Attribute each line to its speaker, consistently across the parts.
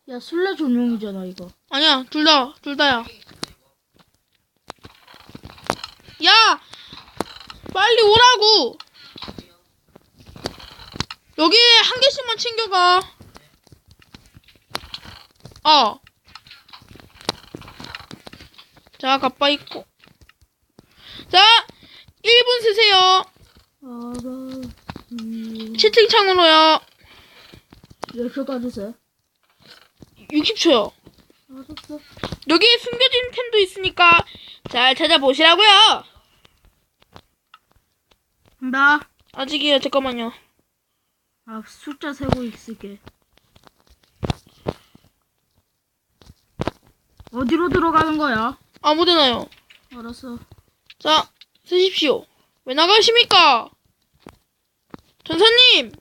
Speaker 1: 야, 술래 전용이잖아, 이거.
Speaker 2: 아니야, 둘 다야. 야! 빨리 오라고! 여기 한 개씩만 챙겨가. 자, 가빠 있고. 자, 1분 쓰세요. 채팅창으로요.
Speaker 1: 몇 초까지 세?
Speaker 2: 60초요.
Speaker 1: 알았어.
Speaker 2: 여기에 숨겨진 템도 있으니까 잘 찾아보시라고요.
Speaker 1: 나,
Speaker 2: 아직이요. 잠깐만요.
Speaker 1: 숫자 세고 있을게. 어디로 들어가는 거야?
Speaker 2: 아무데나요.
Speaker 1: 알았어.
Speaker 2: 자, 쓰십시오. 왜 나가십니까? 전사님!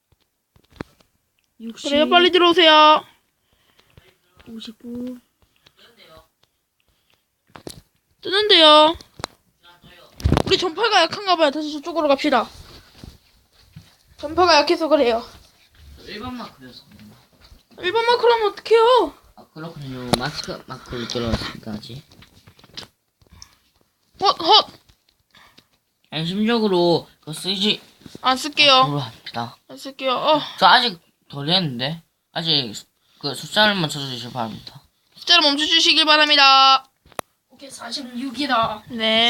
Speaker 1: 60,
Speaker 2: 그래요, 빨리 들어오세요.
Speaker 1: 59.
Speaker 2: 뜨는데요. 우리 전파가 약한가 봐요. 다시 저쪽으로 갑시다. 전파가 약해서 그래요.
Speaker 3: 1번 마크였어.
Speaker 2: 1번 마크로 하면 어떡해요?
Speaker 3: 아, 그렇군요. 마스크 마크로 들어왔습니다, 아직.
Speaker 2: 헛!
Speaker 3: 안심적으로 그거 쓰지
Speaker 2: 안 쓸게요.
Speaker 3: 합니다.
Speaker 2: 안 쓸게요.
Speaker 3: 저 아직 덜 했는데? 아직 그 숫자를 맞춰주시기 바랍니다.
Speaker 2: 숫자를 멈춰주시길 바랍니다.
Speaker 1: 오케이, 46이다.
Speaker 2: 네.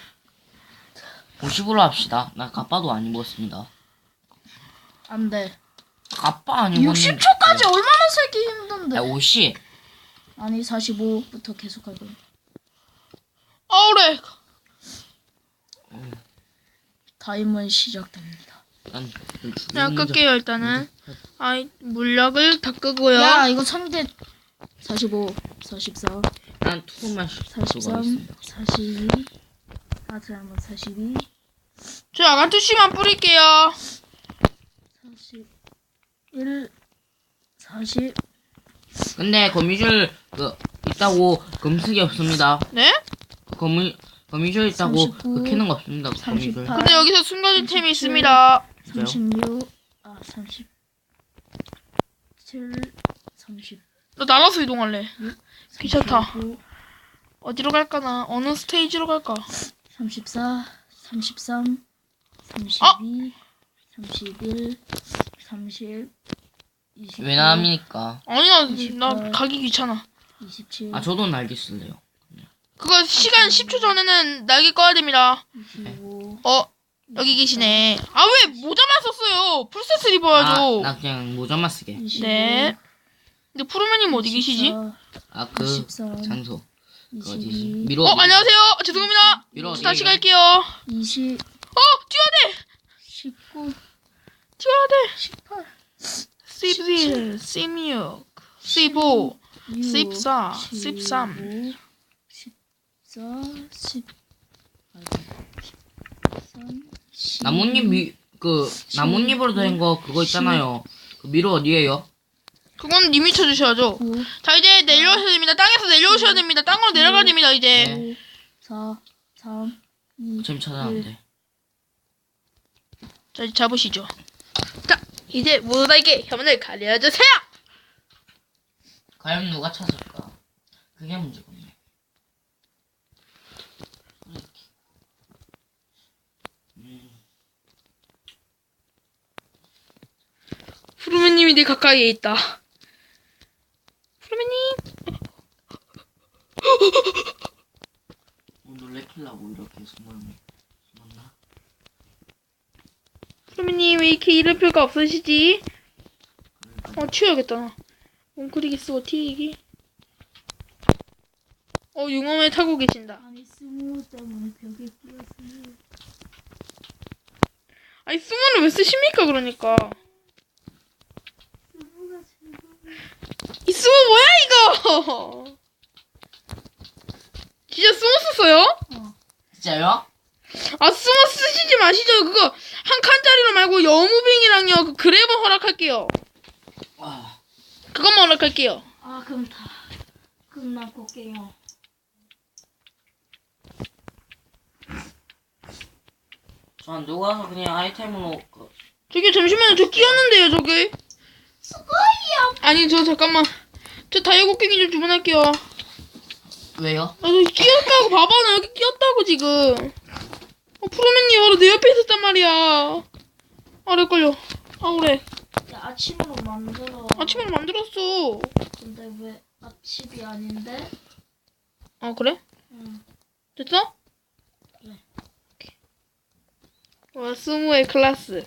Speaker 3: 50으로 합시다. 나 가빠도 안 입었습니다.
Speaker 1: 안 돼.
Speaker 3: 가빠 안 입었는데.
Speaker 1: 60초까지 얼마나 살기 힘든데.
Speaker 3: 야, 50.
Speaker 1: 아니, 45부터 계속 할 거야.
Speaker 2: 아우래.
Speaker 1: 타임은 시작됩니다.
Speaker 3: 난
Speaker 2: 그냥 끌게요, 일단은. 물약을 다 끄고요.
Speaker 1: 야, 이거 상대 45, 44,
Speaker 3: 난 투구만
Speaker 1: 43, 42, 다시 한번 42,
Speaker 2: 저 아간투씨만 뿌릴게요.
Speaker 1: 41, 40.
Speaker 3: 근데 거미줄 있다고 금숙이 없습니다.
Speaker 2: 네?
Speaker 3: 거미줄 있다고
Speaker 1: 39,
Speaker 3: 캐는 거 없습니다. 거미줄.
Speaker 1: 38.
Speaker 2: 근데 여기서 숨겨진 템이 있습니다.
Speaker 1: 36, 37, 30.
Speaker 2: 나 날아서 이동할래. 귀찮다.
Speaker 1: 39,
Speaker 2: 어디로 갈까나? 어느 스테이지로 갈까?
Speaker 1: 34, 33, 32, 31, 30, 29,
Speaker 3: 왜 나합니까?
Speaker 2: 아니야,
Speaker 1: 28.
Speaker 2: 나 가기 귀찮아.
Speaker 1: 27,
Speaker 3: 아, 저도 날개 쓸래요.
Speaker 2: 그거 시간 10초 전에는 날개 꺼야 됩니다.
Speaker 1: 25,
Speaker 2: 여기 계시네. 아, 왜 모자만 썼어요? 풀셋을 입어야죠.
Speaker 3: 나 그냥 모자만 쓰게.
Speaker 1: 25,
Speaker 2: 네. 근데 푸르메님 어디 계시지?
Speaker 3: 아, 그
Speaker 1: 23,
Speaker 3: 장소. 그 어디지?
Speaker 1: 22,
Speaker 3: 미로.
Speaker 2: 안녕하세요. 죄송합니다.
Speaker 3: 미로 어디
Speaker 2: 다시
Speaker 3: 가요?
Speaker 2: 갈게요.
Speaker 1: 20,
Speaker 2: 뛰어야 돼!
Speaker 1: 19,
Speaker 2: 뛰어야 돼!
Speaker 1: 18,
Speaker 2: 17, 16, 15, 14, 13.
Speaker 1: 14, 10, 13,
Speaker 3: 나뭇잎으로 된 거 그거 있잖아요. 그 미로 어디에요?
Speaker 2: 그건 님이 쳐주셔야죠.
Speaker 1: 9,
Speaker 2: 자, 이제 내려오셔야 됩니다. 땅에서 내려오셔야 됩니다. 땅으로 내려가야 됩니다, 이제.
Speaker 3: 네.
Speaker 1: 5, 4, 3, 2,
Speaker 3: 지금 찾아놨는데.
Speaker 2: 자, 이제 잡으시죠. 자, 이제 모두에게 혐오를 가려주세요!
Speaker 3: 과연 누가 찾을까? 그게 문제군요.
Speaker 2: 푸르메님이 내 가까이에 있다. 푸르메님!
Speaker 3: 놀래키려고 이렇게 숨었나?
Speaker 2: 푸르메님 왜 이렇게 이름표가 없으시지? 치워야겠다, 나. 몽크리기 쓰고 튀기. 융엄에 타고 계신다.
Speaker 1: 아니 스무 때문에 벽에 끼었어요.
Speaker 2: 아니, 수모는 왜 쓰십니까, 그러니까.
Speaker 1: 스무가 제발.
Speaker 2: 이 수모 뭐야, 이거! 진짜 수모 썼어요?
Speaker 3: 진짜요?
Speaker 2: 아, 수모 쓰시지 마시죠. 그거 한 칸짜리로 말고 여무빙이랑요, 그 그래버 허락할게요.
Speaker 3: 와.
Speaker 2: 그것만 허락할게요.
Speaker 1: 아 그럼 다 끝나고 게요.
Speaker 3: 전 누가 그냥 아이템으로
Speaker 2: 저기 잠시만요. 저 끼었는데요, 저기.
Speaker 1: 수고해요.
Speaker 2: 아니, 저 잠깐만. 저 다이어곡괭이 좀 주문할게요.
Speaker 3: 왜요?
Speaker 2: 아, 너 끼었다고 봐봐. 나 여기 끼었다고 지금. 푸르맨님 바로 내 옆에 있었단 말이야. 아, 렉 걸려. 아, 그래.
Speaker 1: 야, 아침으로 만들어.
Speaker 2: 아침으로 만들었어.
Speaker 1: 근데 왜 아침이 아닌데?
Speaker 2: 아, 그래?
Speaker 1: 응.
Speaker 2: 됐어?
Speaker 1: 그래.
Speaker 2: 오케이. 와, 스무의 클래스.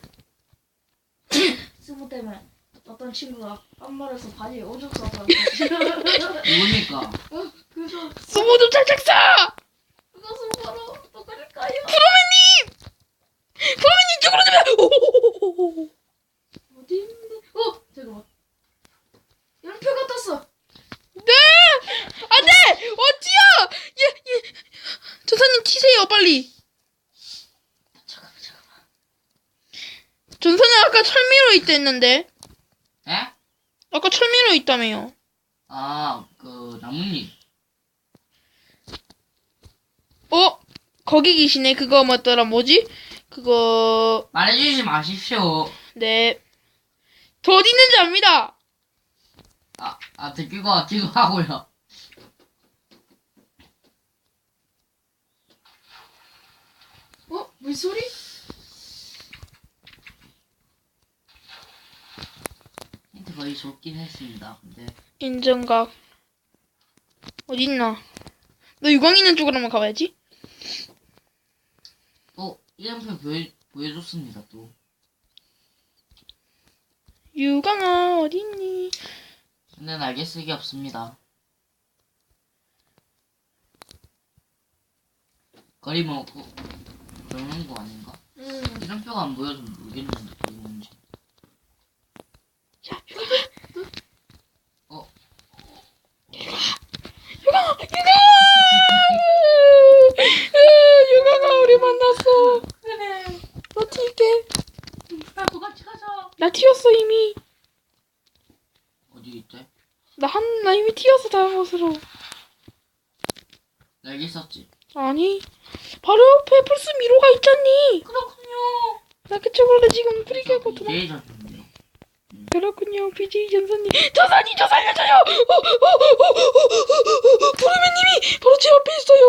Speaker 1: 스무 때문에 어떤 친구가 깜말해서 바지에 오줌 싸서
Speaker 3: 누굽니까?
Speaker 1: 그거
Speaker 2: 스무 좀 찰짝 쏴!
Speaker 1: 그거 스무로 똑같을까요?
Speaker 2: 푸르맨님 쪽으로 좀 오호호호호호.
Speaker 1: 어디 있는데? 잠깐만. 연표가 떴어.
Speaker 2: 네! 안 돼! 어찌야! 예. 전사님 튀세요, 빨리.
Speaker 1: 잠깐만.
Speaker 2: 전사님 아까 철미로 있다 했는데.
Speaker 3: 에?
Speaker 2: 아까 철미로 있다며요.
Speaker 3: 아, 나뭇잎.
Speaker 2: 거기 계시네. 그거 맞더라. 뭐지? 그거...
Speaker 3: 말해주지 마십시오.
Speaker 2: 네. 저 어디 있는지 압니다.
Speaker 3: 듣기고 하고요.
Speaker 1: 물소리?
Speaker 3: 힌트 거의 좋긴 했습니다. 근데
Speaker 2: 인정각. 어딨나? 너 유광 있는 쪽으로 한번 가봐야지.
Speaker 3: 이름표 보여줬습니다. 또
Speaker 2: 유광아 어딨니?
Speaker 3: 근데 날개 쓰기 없습니다. 거리 먹고 그러는 거 아닌가?
Speaker 1: 응.
Speaker 3: 이름표가 안 보여서 모르겠는데 거기 뭔지.
Speaker 2: 야 유광아. 유광아 우리 만났어.
Speaker 1: 그래.
Speaker 2: 나 튈게.
Speaker 1: 나도 같이 가자.
Speaker 2: 나 튀었어 이미.
Speaker 3: 어디 있대?
Speaker 2: 나 이미 튀었어 다른 곳으로.
Speaker 3: 날개 썼지.
Speaker 2: 아니 바로 옆에 플스 미로가 있잖니.
Speaker 1: 그렇군요.
Speaker 2: 나 그쪽으로 지금 프리게고 도망.
Speaker 3: 제일 좋던데요.
Speaker 2: 그렇군요 BJ 전사님. 전사님 저 살려줘요. 푸르맨님이 바로 제 옆에 있어요.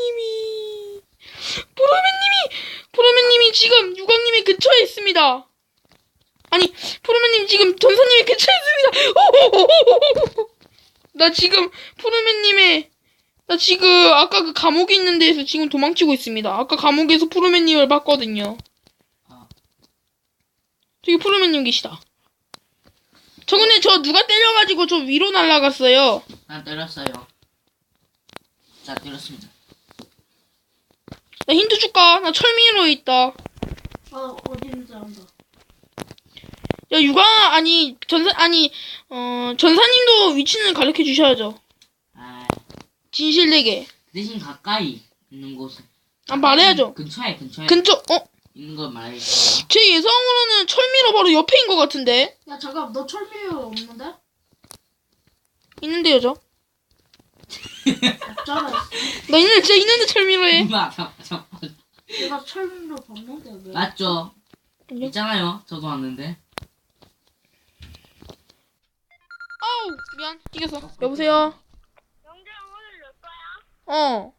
Speaker 2: 푸르맨님이 지금 유광님의 근처에 있습니다. 아니 푸르맨님 지금 전사님의 근처에 있습니다. 나 지금 나 지금 아까 그 감옥에 있는 데에서 지금 도망치고 있습니다. 아까 감옥에서 푸르맨님을 봤거든요. 저기 푸르맨님 계시다. 저 근데 저 누가 때려가지고 저 위로 날아갔어요.
Speaker 3: 난 때렸어요. 자, 때렸습니다.
Speaker 2: 나 힌트 줄까? 나 철미로 있다.
Speaker 1: 어디 있는지 안다.
Speaker 2: 야 유광아 아니 전사님도 위치는 가르쳐 주셔야죠. 진실되게.
Speaker 3: 대신 가까이 있는 곳은.
Speaker 2: 말해야죠.
Speaker 3: 근처에
Speaker 2: 근처
Speaker 3: 있는 걸 말해주세요.
Speaker 2: 제 예상으로는 철미로 바로 옆에인 것 같은데.
Speaker 1: 야 잠깐 너 철미유 없는데?
Speaker 2: 있는데요 저.
Speaker 1: 없잖아.
Speaker 2: 나 진짜 있는데 철미로 해.
Speaker 3: 잠깐.
Speaker 1: 내가 철미로 봤는데 왜?
Speaker 3: 맞죠?
Speaker 2: 아니요.
Speaker 3: 있잖아요. 저도 왔는데.
Speaker 2: 아우 미안 이겼어. 여보세요.
Speaker 4: 영재 오늘 몇 거야?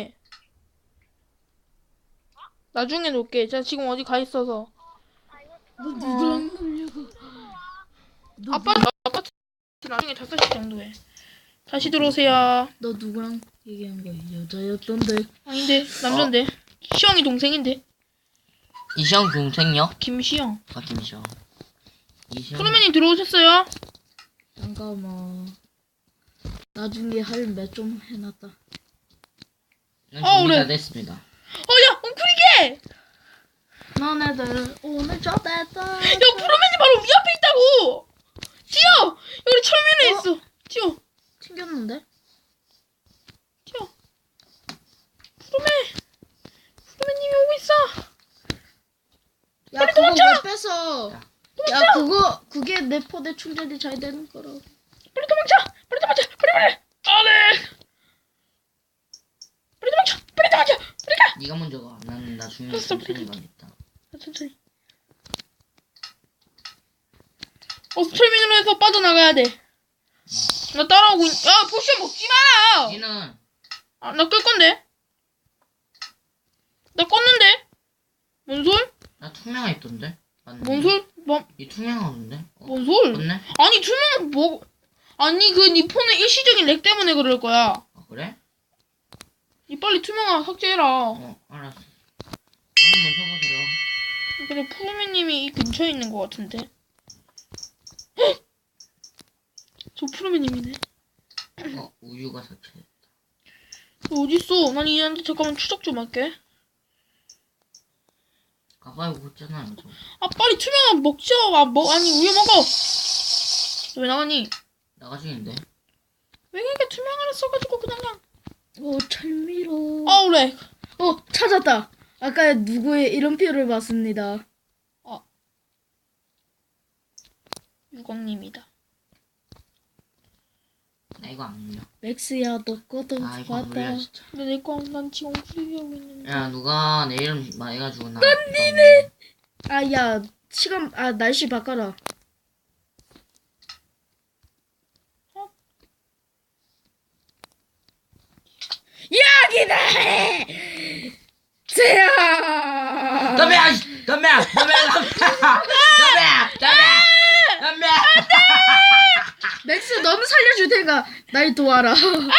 Speaker 2: 나중에 놓을게. 자 지금 어디 가 있어서.
Speaker 1: 너 누구랑 놀려고?
Speaker 2: 아파트 나중에 5시 정도에. 다시 들어오세요.
Speaker 1: 너 누구랑 얘기한 거야? 여자였던데.
Speaker 2: 아닌데 남잔데. 시영이 동생인데.
Speaker 3: 이시영 동생요?
Speaker 2: 김시영.
Speaker 3: 김시영.
Speaker 2: 프로맨님 들어오셨어요?
Speaker 1: 잠깐만. 나중에 할 몇 좀 해놨다.
Speaker 3: 준비가
Speaker 2: 그래.
Speaker 3: 됐습니다.
Speaker 2: 야 엉클이게.
Speaker 1: 너네들 오늘 저 됐다.
Speaker 2: 야 프로맨이 바로 위 앞에 있다고. 뛰어. 여기 철미로 있어. 뛰어.
Speaker 1: 튕겼는데?
Speaker 2: 뛰어. 프로맨님이 오고 있어.
Speaker 1: 야 그거 왜 뺏어? 야 그게 내 포대 충전이 잘 되는 거라.
Speaker 2: 빨리 도망쳐. 빨리. 안돼. 빨리 도망쳐. 빨리 가.
Speaker 3: 네가 먼저 가. 나는 나중에
Speaker 2: 됐어,
Speaker 3: 천천히 가겠다.
Speaker 2: 천천히. 철민으로 해서 빠져나가야 돼. 나 따라오고 야, 포션 먹지 마라!
Speaker 3: 니는
Speaker 2: 아, 나 끌 건데? 나 껐는데? 뭔 소리?
Speaker 3: 나 투명화 있던데. 맞는데?
Speaker 2: 뭔 소리?
Speaker 3: 이 투명화 없는데?
Speaker 2: 뭔 소리?
Speaker 3: 없네?
Speaker 2: 아니, 투명한 뭐, 아니, 니 폰의 일시적인 렉 때문에 그럴 거야.
Speaker 3: 아 그래?
Speaker 2: 니 빨리 투명한 삭제해라.
Speaker 3: 알았어. 한번 쳐보세요.
Speaker 2: 그래, 푸르미님이 이 근처에 있는 것 같은데. 헉! 저 푸르미님이네.
Speaker 3: 우유가 삭제.
Speaker 2: 너 어딨어? 난 얘한테 잠깐만 추적 좀 할게.
Speaker 3: 가봐요 그랬잖아요. 저.
Speaker 2: 아, 빨리 투명한 먹자. 아니, 우유 먹어. 너 왜 나가니?
Speaker 3: 나가 중인데.
Speaker 2: 왜 이렇게 투명한을 써가지고 그냥.
Speaker 1: 철미로.
Speaker 2: 그래.
Speaker 1: 찾았다. 아까 누구의 이름표를 봤습니다.
Speaker 2: 유광님이다.
Speaker 3: 나 이거 안 눌려.
Speaker 1: 맥스야, 너 거도
Speaker 3: 아 이거 안 눌려
Speaker 1: 봤다.
Speaker 3: 진짜.
Speaker 2: 근데 난 지금 후회하고 있는데.
Speaker 3: 야 누가 내 이름 말해가지고 나.
Speaker 1: 야, 날씨 바꿔라. 여기다! 세야!
Speaker 3: 담배!
Speaker 1: 맥스, 너는 살려줄 테니까 날 도와라.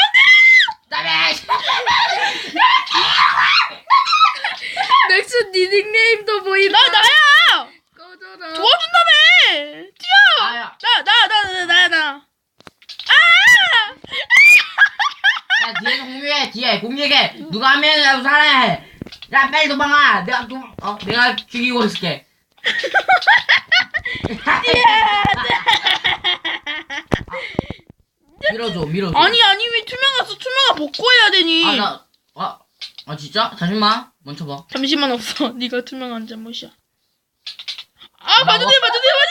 Speaker 1: 맥스, 네 닉네임도 보인다.
Speaker 2: 나야!
Speaker 1: 꺼져라.
Speaker 2: 도와준다며! 뛰어!
Speaker 3: 나야.
Speaker 2: 나야.
Speaker 3: 야 뒤에서 공유해 뒤에 공유해. 누가 하면 나도 살아야. 야 빨리 도망가. 내가 죽이고 있을게. 밀어줘.
Speaker 2: 아니, 왜 투명화 벗고 해야 되니?
Speaker 3: 진짜? 잠시만. 멈춰봐.
Speaker 2: 잠시만 없어. 네가 투명한 잘못이야. 봐도 돼.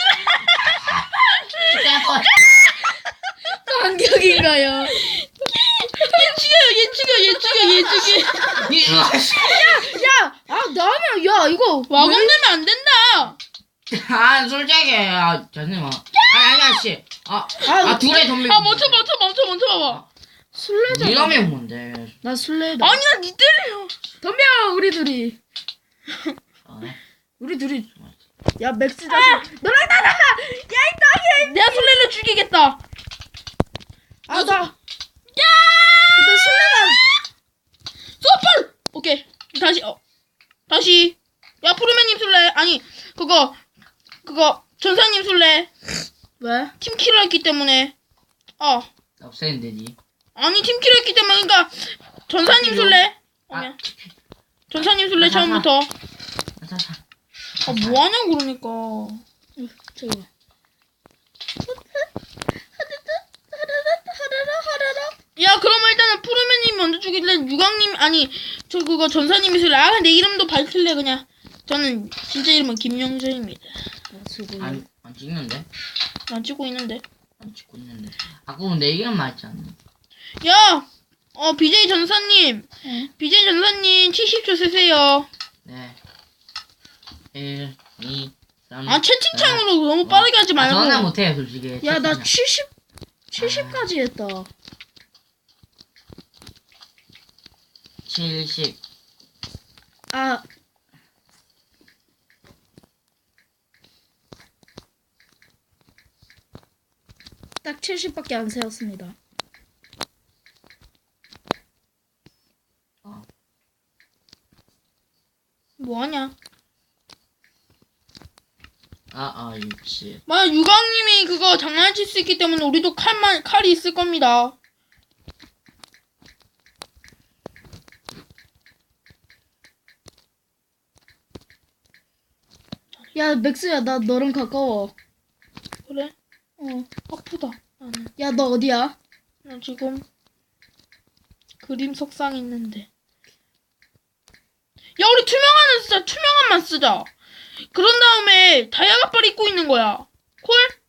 Speaker 1: 반격인가요?
Speaker 2: 얘 죽여.
Speaker 1: 야, 나면, 야, 이거.
Speaker 2: 와공되면 안 된다.
Speaker 3: 솔직히. 잠시만. 아니야 씨. 둘의 덤비.
Speaker 2: 멈춰 봐봐.
Speaker 1: 술래잖아.
Speaker 3: 네가 매운 건데.
Speaker 1: 나 술래다.
Speaker 2: 아니야, 니 때려.
Speaker 1: 덤벼, 우리 둘이. 우리 둘이. 야, 맥스 자식. 너랑 나가! 야, 이 놈이!
Speaker 2: 내가 술래를 죽이겠다.
Speaker 1: 근데 술래가.
Speaker 2: 소펄! 오케이. 다시. 야, 푸르메님 술래. 아니, 그거, 전사님 술래.
Speaker 1: 왜?
Speaker 2: 팀킬을 했기 때문에.
Speaker 3: 없애는데 니.
Speaker 2: 아니, 팀킬을 했기 때문에, 그니까, 전사님 술래. 전사님 술래, 처음부터. 뭐하냐고, 그러니까.
Speaker 1: 저거.
Speaker 2: 야, 그러면 일단은 푸르메님 먼저 죽일래? 유광님, 아니, 전사님이 술래. 내 이름도 밝힐래, 그냥. 저는 진짜 이름은 김영재입니다.
Speaker 3: 안 찍는데?
Speaker 2: 난 찍고 있는데.
Speaker 3: 안 찍고 있는데. 그럼 내 이름 맞지 않나?
Speaker 2: 야! BJ 전사님. BJ 전사님 70초 세세요.
Speaker 3: 네. 1, 2, 3.
Speaker 2: 채팅창으로 너무 빠르게 하지 말고.
Speaker 3: 전화 못해요, 솔직히.
Speaker 1: 야, 나 70까지 했다.
Speaker 3: 70.
Speaker 1: 딱 70밖에 안 세웠습니다.
Speaker 2: 뭐하냐?
Speaker 3: 육지.
Speaker 2: 만약 유광님이 그거 장난칠 수 있기 때문에 우리도 칼이 있을 겁니다.
Speaker 1: 야, 맥스야, 나 너랑 가까워.
Speaker 2: 그래? 아프다. 나는.
Speaker 1: 야, 너 어디야?
Speaker 2: 나 지금 그림 석상 있는데. 야, 우리 투명한만 쓰자. 그런 다음에 다이아갑발 입고 있는 거야. 콜?